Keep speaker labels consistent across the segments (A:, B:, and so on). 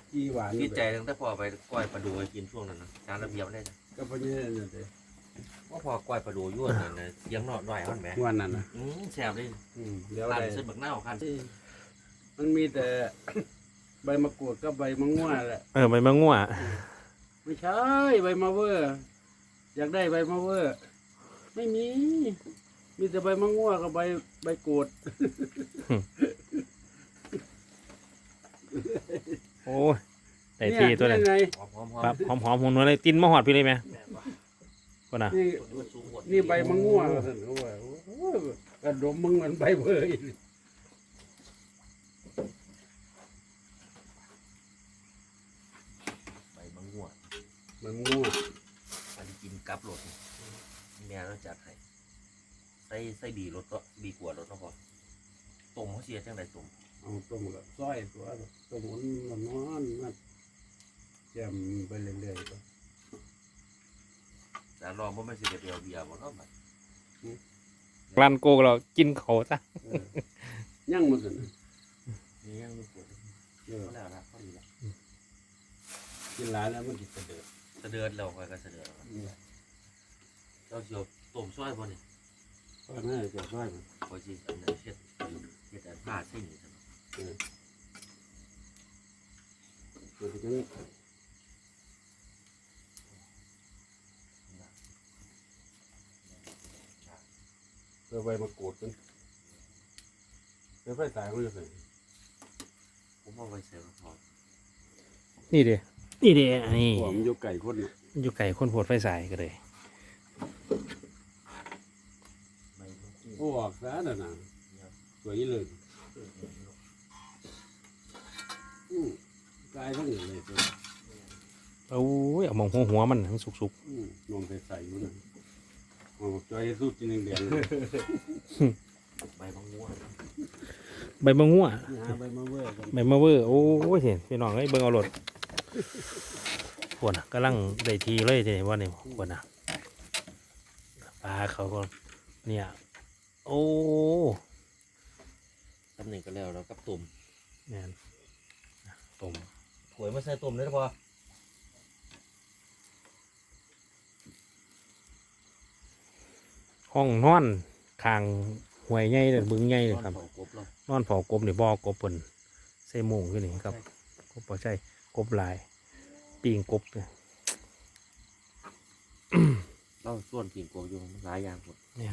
A: จีหวาน
B: พี่ใจตั้งแต่พอไปก้อยปลาดูไปกินช่วงนั้นนะจานระเบียบได้จ้ะ
A: ก็เพราะนี่นั่นเลย
B: ว่าพอก้อยปลาดูยั่วเนี่ยเสียงหน่อยมันแหม
A: วันนั้นนะ
B: แซ่บเลย
A: เดี๋ยว
B: คัน
A: ได้
B: เส้นบักหน้าคัน
A: มันมีแต่ ใบมะกรูดกับใบมะม่วงแหละ
C: ใบมะง่ว
A: ไม่ใช่ใบมะเวอร์อยากได้ใบมะเวอร์ไม่มี มีแต่ใบมะม่วงกับใบกรูด
C: โอ้ยได้ที่ตัวนั้น
A: ไง
B: หอม
C: ครับหอมๆหัวเลยตินมาหอดพี่เลยไหม
B: แม่ว่ะ
C: ก็น่ะ
A: นี่
B: มันสูงหมด
A: นี่ใบมะม่วงเขาว่าโอ้โหกระดมมึงมันใบเบอร์อีก
B: ใบมะม่วง
A: มันม่วง
B: อันนี้กินกับรสแม่เราจัดให้ใส่บีรสก็บีกว่ารสเนาะพอต้มเขาเสียจังไดต้ม
A: เอาต้มกับซอยตัวต้มมันนอนมันแจ่มไปเรื่อยๆก็
B: จานรองบ่แม่นสิได้ไปเอาเบียร์บ่เนาะบัด
C: รันโกเรากินเขาซะ
A: ย่างมันสิ
B: นี่ยังมีปวด
A: เออ
B: ก็แล้วนะพอดีละ
A: กินหลายแล้วมันจะเดือด
B: เสด็จแล้วค่อยก็เสด็จแล้วเราสิเอาต้มซอยบ่นี่
A: ก็น่าจะซอยมัน
B: พอสิอันนั้นเฮ็ดอันผ้าเส้นนี่ซั่น
A: ตัวที่นี้เพื่อใบมะกรูดกันเพื่อไฟสายมันจะใส่
B: ผมเอาไว้ใส่กระเพาะ
C: นี่เด้นี่เด้นี่
A: หัวมันอยู่ไก่คนน่ะ
C: อยู่ไก่คนโพดไฟสายก็เลย
B: ใบมะกรูด
A: โอ้ออกซะน่ะนะสวยเลยกายทั้งหมดเลยตัว
C: โอ้ยเอามองหัวมันมันสุก
A: นมใส่ๆมันน่ะโอ้จอยสู้กินแดงๆเลย
B: ใบมะม่วง
C: ๆใบมะง่ว
A: หาใบมะเวอร์กัน
C: ใบมะเวอร์โอ้ยเห็นพี่น้องเอ้ยเบิ่งเอารถปวดน่ะกำลังได้ทีเลยทีนี้ว่านี่ปวดน่ะปลาเขาก็เนี่ยโอ้
B: ตำหนิก็แล้วแล้วกับตุ่ม
C: เนี่ยต้ม
B: ถวยมาใส่ตุ่มได้พอ
C: ห้องนอนคางห่วยใหญ่เลยบึงใหญ่เลยครับ
B: กบเรา
C: นอนเผากบนี่บ่อกบเพิ่นใส่โมุงขึ้นนี่ครับกบบ่ใช่กบลายปีงกบเนี่ย
B: เราส่วนกินกบอยู่หลายอย่างหมด
C: เนี่ย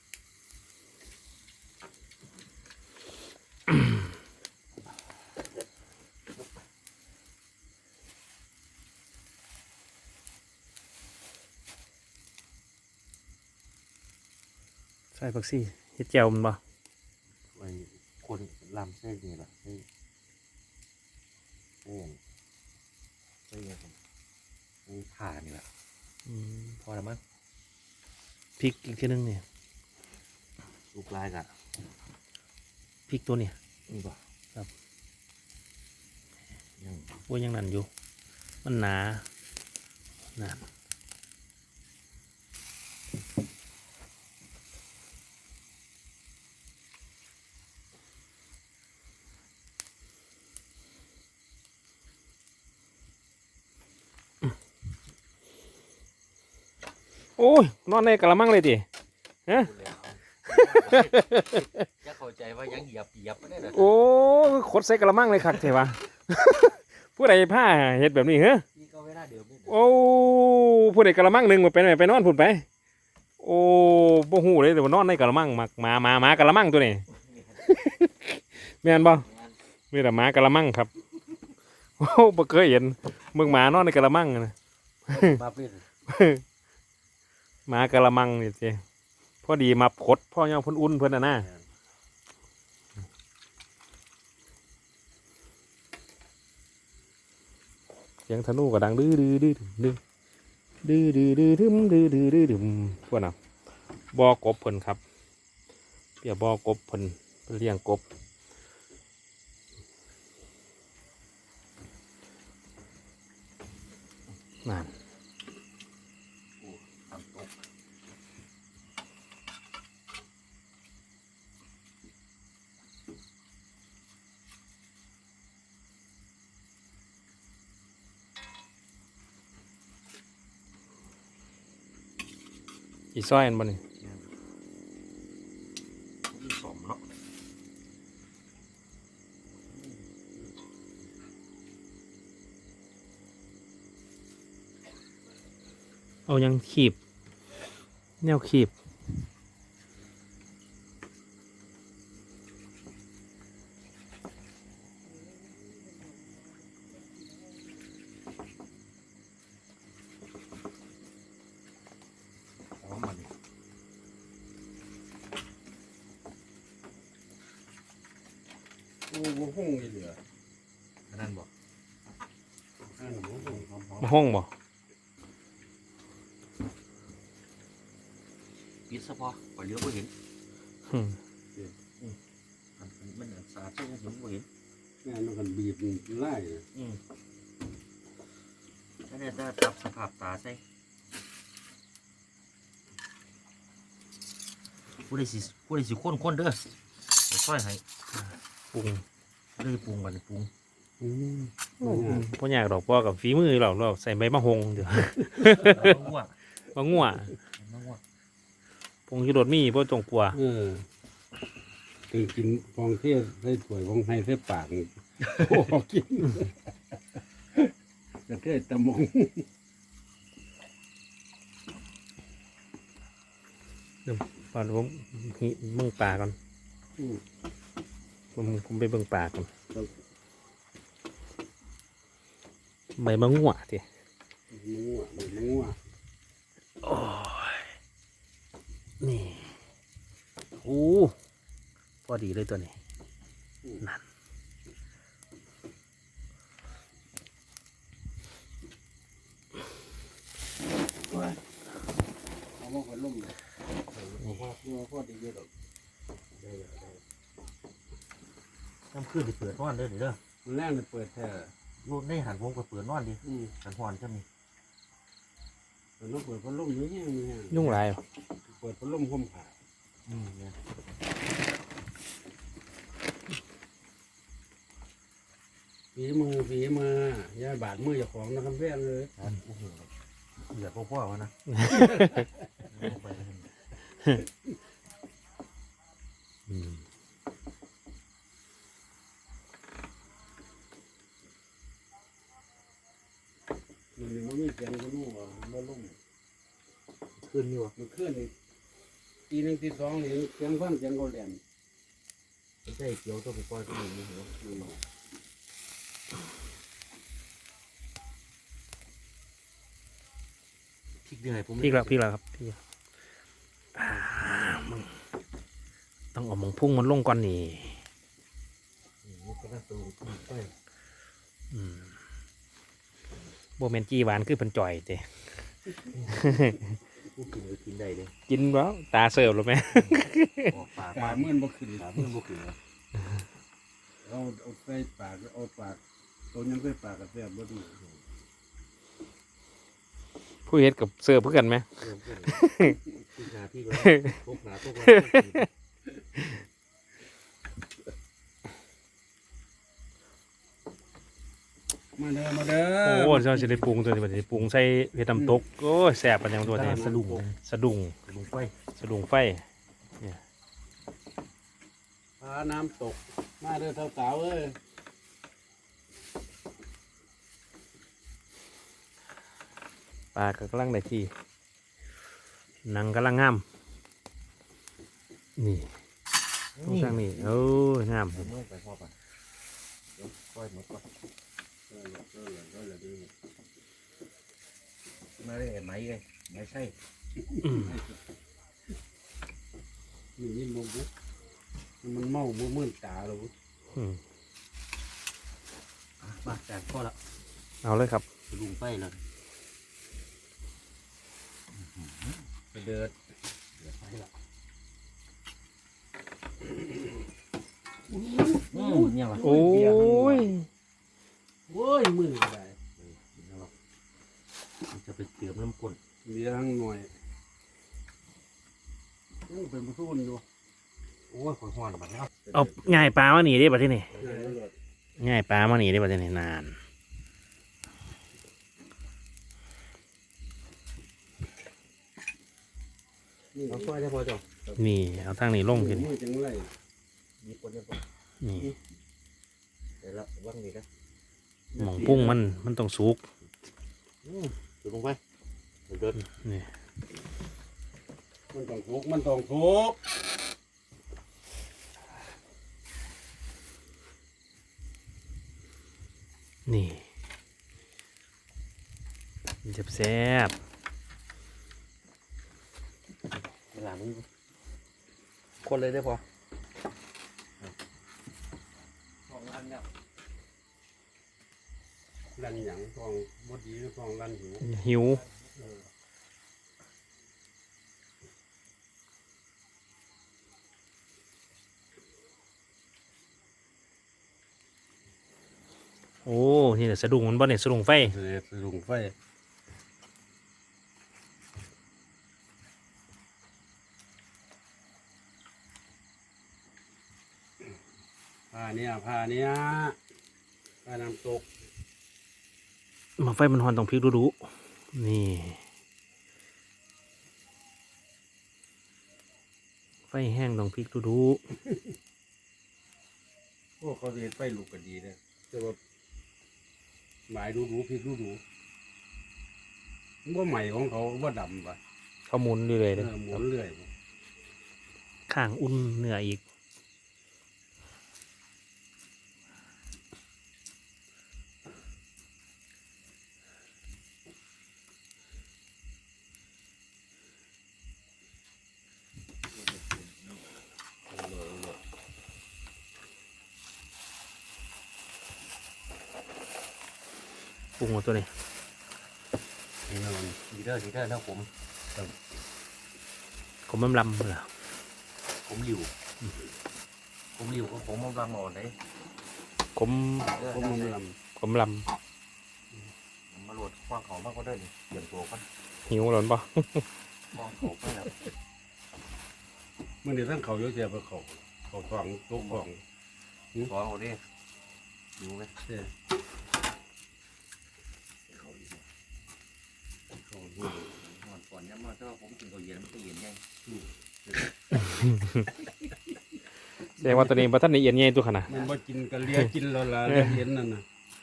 C: ใส่ผักซี่เฮ็ดแจ่วมันบ่
B: ไอ้คนลำเส้นนี่แหละเส้นผ่านี่แหละ
C: อืม
B: พอแล้วมั้ง
C: พริกอีกทีนึงเนี่ย
B: ลูกลายกะ
C: พริกตัวเนี่ย
B: นี่ป่ะ
C: ครับ
B: ยัง
C: โอ้ยยังนั่นอยู่มันหนาหนาโอ้ยนอนในกะละมังเลยดิฮะ
B: จะเข้าใจว่ายังเหยียบไม่ได้เลย
C: โอ้ขดใส่กะละมังเลยคักเถอะวะ ผู้ใดผ้าเฮ็ดแบบนี้เหรอ
B: นี่ก็เวลาเดิมนี่
C: โอ้ผู้ใดกะละมังหนึ่งมาไปไหนไปนอนพุ่นไป โอ้บ่ฮู้เลยแต่ว่านอนในกะละมังมักหมากะละมังตัวนี้ แม่นบ่มีแต่หมากะละมังครับ โอ้บ่เคยเห็นมึงหมานอนในกะละมังนะ
B: บ้าเปลี่ยน
C: หมากะละมังนี่สิพอดีมาขดพ่อย่อเพิ่นอุ่นเพิ่นน่ะนะเสียงธนูก็ดังดื้อดื้อดื้อดื้อดื้อดื้อดื้อดื้อดื้อดื้อดื้อดื้อพวกน่ะบ่อกบเพิ่นครับเปียบ่อกบเพิ่นเลี้ยงกบนั่น
B: ทำตก
C: อีซอยอันบ่นี่
B: มีสมเนาะ
C: เอายังขีบแนวขีบ
B: หอมมัน
A: โอ้โหห้องนี่เหลือ
B: อันนั้นบอก
A: อันนั้นห้องหอม
C: มาห้องบ่
B: ปิดซะพอปล่อยเลี้ยวก็เห็น
C: อืม
B: มันสาดเส้นเห็นก็เห็น
A: งานมันกันบีบไล่เลย
B: ถ้าเนี่ยได้ปรับสภาพตาใส่ผู้ใดสิข้นเด้อเดี๋ยวซอยให้
C: ปรุง
B: เลยปรุงกันปรุง
C: บ่อยากดอกบ่กับฝีมือเราใส่ใบมะฮงเดี๋ยว
B: แล้วก็ง่วง
C: มะงัว
B: มะม่วง
C: ผงชูรสมีบ่ตรงปัว
A: ถึงกินฟองเทียใส่ถ้วยฟองไห้ใส่ปากนี่โอ้กินจะเทศตะมง
C: ก่อนผมเบิ่งปลาก่อนผมไปเบิ่งปลาก่อนใบมะงัวติ
A: งัว
C: โอ้ยนี่โอ้พอดีเลยตัวนี้นั่น
A: เอามาคนล่มเลยพ่อดีเยอะหรอก
B: น้ำขึ้นที่เปิดนอนเด้อเด้อ
A: มันแรกเลยเปิดแท้
B: รูดในหันวงก็เปิดนอนดิหันหอนจะมี
A: มันต้องเปิดพัดลมเยอะแยะนี่ฮะ
C: ยุ่งหลายบ่
A: เปิดพัดลมห่มผ้า
B: เนี่ย
A: ฝีมือย่าบาดมือเจ้าของนะครับแว่นเลย
B: โอ้โหเหลือพ่อวะนะ
C: อืม
A: มันมีเสียงก็นู่นว่าล่ม
B: ขึ้นอยู่
A: มันเคลื่อนนี่ตีหนึ่งตีสองนี่เสียงฟังเสียงเขาแหลม
B: ไม่ใช่เกี่ยวตัวไปปล่อยตัวนี้เหรอพริกเดือยผม
C: พริกแล้วครับพริกแล้วมึงต้องเอาหมองพุ่งมันลงก่อนนี่
B: ก็น่าสูงขึ้นไป
C: อืมโบเมนจีหวานคือเป็นจ่อยเต้
B: ผู้กินเลยกินได้เลย
C: กินแล้วตาเสิร์ฟหรือไหม
B: ออกปาก
A: ตาเมื่อนบ่ขึ้น
B: เมื่อบุกขึ้น
A: เอาใส่ปากเอาปากตัวยังใส่ปากกับแซ่บบ่ดี
C: ผู้เฮ็ดกับเสิร์ฟเพื่อกันไหม
B: เริ่มขึ้นขึ้นหนาที่แล้วทุกหนาทุกวัน
A: มาเด้อ
C: โอ้เจ้าจะได้ปรุงตัวนี้บัดนี้ปรุงใส่เห็ดน้ำตกโอ้ยแซ่บปันยังตัวนี้สะดุ้งสะดุ้ง
B: ลงไป
C: สะดุ้งไฟ
A: พาน้ำตกมาเด้อสาวๆเอ้ย
C: ปลาก็กำลังได้ที่หนังกำลังงามนี่ตรงข้างนี้โอ้ยงาม
B: เมื่อไปพ่อไปเดี๋ยวปล่อยหมดก่อนมาได้ไหมไงไม่ใช่
C: อืม
A: นี่ยินบ่บุมันเมาบ่มื่นตาแล้ว
C: อืม
B: มาจากพ่อละ
C: เอาเลยครับ
B: ลุงไปเลย
A: ไปเดิน
B: เดี๋ยวไปละเนี่ยว่ะ
C: โอ้ย
A: โอ้ยมือก็ได้
B: จะไปเติมน้ำก้น
A: เลี้ยงหน่อยยังเป็นผู้ทุนอยู่
B: โอ้ยขอหอนบัดแล้ว
C: เอาง่ายปลามาหนีได้ป่ะที่นี่ง่ายปลามาหนีได้ป่ะที่นี่นาน
A: เอาค่อยได้พอจ้ะ
C: นี่เอาทางนี้ลงทีนี้
A: มือจังไร
B: มีคนเดียวพอ
C: นี่
B: เดี๋ยวละว่างนี่นะ
C: หม่องพุ่งมันต้องสุก
B: ดูลงไปเดิน
C: นี่
A: มันต้องทุกมันต้องทุก
C: นี่แซ่บ
B: เวลามึงคนเลยได้พอของอันเนี่ย
A: รันหยังทองบดดีหรือทองรันหิว
C: ๆหิวโอ้นี่แหละสะดุ้งมันบ่เนี่ยสะดุ้งไฟ
A: เสด็จลุงไฟผ้าเนี่ยผ้าน้ำตก
C: มาไฟมันหอนต้องพริกดูๆนี่ไฟแห้งต้องพริกดู
A: โอ้เขาเรียนไฟลูกก็ดีเลยแต่ว่าหมายดูพริกดูว่าใหม่ของเขาว่าดำปะ
C: ๆเขาหมุนเรื่อยๆเลย
A: หมุนเรื่อย
C: ข้างอุ่นเนื้ออีกปรุงหมดตัวนี้
A: นี่มัน
B: ดีเด้อนะผม
C: ผมลำๆเหรอ
B: ผมหลิวก็ผมมันวางหมอนเลย
C: ผม
A: ก็มันล
C: ผมล
B: มาโหลดควางเขามากก็ได้นี่เปลี่ยนตัวกัน
C: ำหิวหรอปะ
B: ควางเขาไปแล้ว
A: ำเมื่อเดี๋ยวท่านเขาเยอะแยะไปเขาทองตุกของ
B: ควางเขาดิดูไหม
A: เจ้
B: เขาดี
A: เขาดู
B: หมอนก่อนย้ำมาถ้าผมกินเขาเย็นมันก็เย็นไง
C: แสดงว่าตัวนี้บัทันในเอียนใหญ่ตัวขนาด
A: มันว่ากินกันเลียกินแล้วล่ะเห็นนั่นน่ะ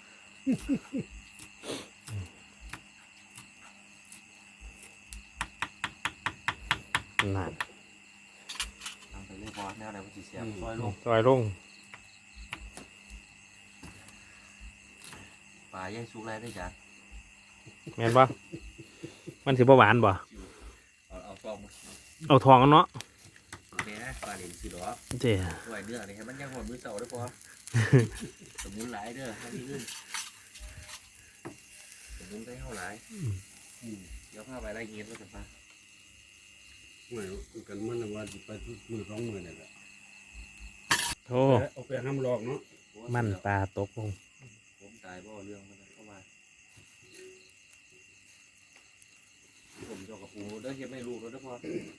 C: นั่น
B: ทำไปเรื่อยพอแนวไหนมันจะเสียบซอยลง
C: ซอยลง
B: ปลาย่างสุกไรได้จ้ะ
C: แม่นปะมันถือว่าหวานบ่
B: เอาซองมา
C: เอาทองกันเนาะ
B: แม่ปลาเหลนสิหรอ
C: เจ้
B: ด้วยเนื้อนี่ให้มันย่างหอมมือเสาได้พอสมุนหลายเด้อให้ที่ขึ้นสมุนได้เท่าหลายเดี๋ยวพาไปไล่เงี้ยแล้วกันปะ
A: ไม่กันมันว่าไปทุกมือ2 มือนี่แหละ
C: โอ้
A: เอาไปห้ามหลอกเนาะ
C: มันปลาตกลง
B: ผมตายบ่เรื่องมันเข้ามาผมจะกับปูเด้อเฮ็ดไม่รู้แล้วเด้อพอ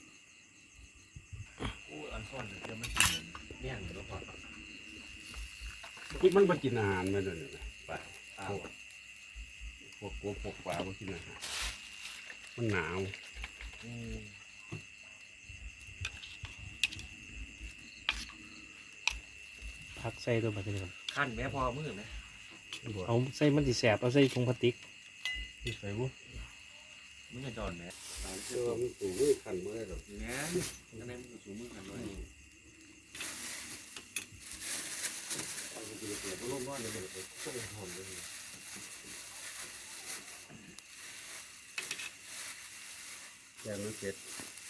B: โอ้อันซ่อนเดี๋ยวมันเหมือนเมี่ยงแล้วพอ
A: ที่มันมากินอาหารมาด้วยนะไป
B: อ้าว
A: พวกกบพวกปลามากินอาหารมันหนาว
C: พักใส่ตัวแบบนี้ก่อน
B: ขั้นแม่พอมือไหม
C: เอาใส่มันสิแสบเอาใส่ถุงพลาสติก
A: ใส่บุ
B: มือจอนแม่
A: เชื่อมันสูงมือขันมือหรอก
B: แม่ยังไงมันสูงมือกันเลยเอาไปกินเกลือก็ร่มร้อนเลยเลยต้มหอมเลย
A: แกงมันเสร็จ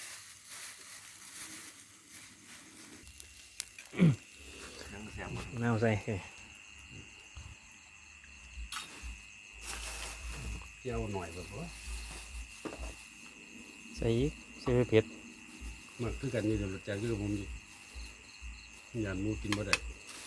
B: นั่งแซมมัน
C: เอาใส่
A: เจียวหน่อยแบบว่า
C: ใส่อีกใส่ไปเผ็ด
A: มันคือกันนี่เดี๋ยวจากที่ผมอยู่ยานหมูกินบ่ได้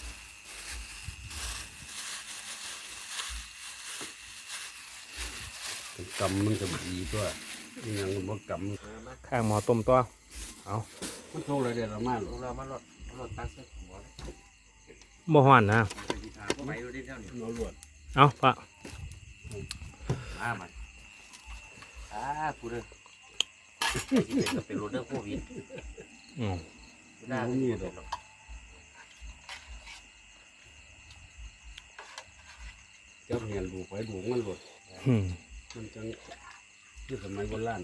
A: กำมันก็ดีตัวยังมันบ่กำ
C: ข้างหมอต้มตัว
A: มันโทรอะไรเดี๋ยวเรามาหรอ
B: เรามาลดตักเส้นหัวเลย
C: บ่ฮ้อนนะ
B: ไปที่ทางก็ไปดูดิเท่านี้
A: เราลวด
C: เอาปะ
B: มามันพูดเลย
A: เ
B: ที่เป็นก็เป็นรถเรื่องโควิด
C: อืม
B: หน้าไม่มีหรอก
A: เจ้าเหียนดูไปดูมันหลด
C: อืม
A: มันจังที่สมัยโบราณ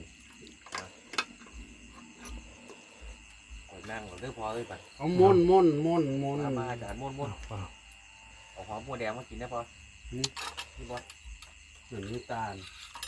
B: ข่อยนั่งก่อนเรื่องพอเลยป่ะ
A: เอาม่อนม่อนม่อนม่อน
B: มาอาจารย์ม้วนเอาหอมบัวแดงมากินได้พอนี่บอส
A: เหมือนน้ำตาล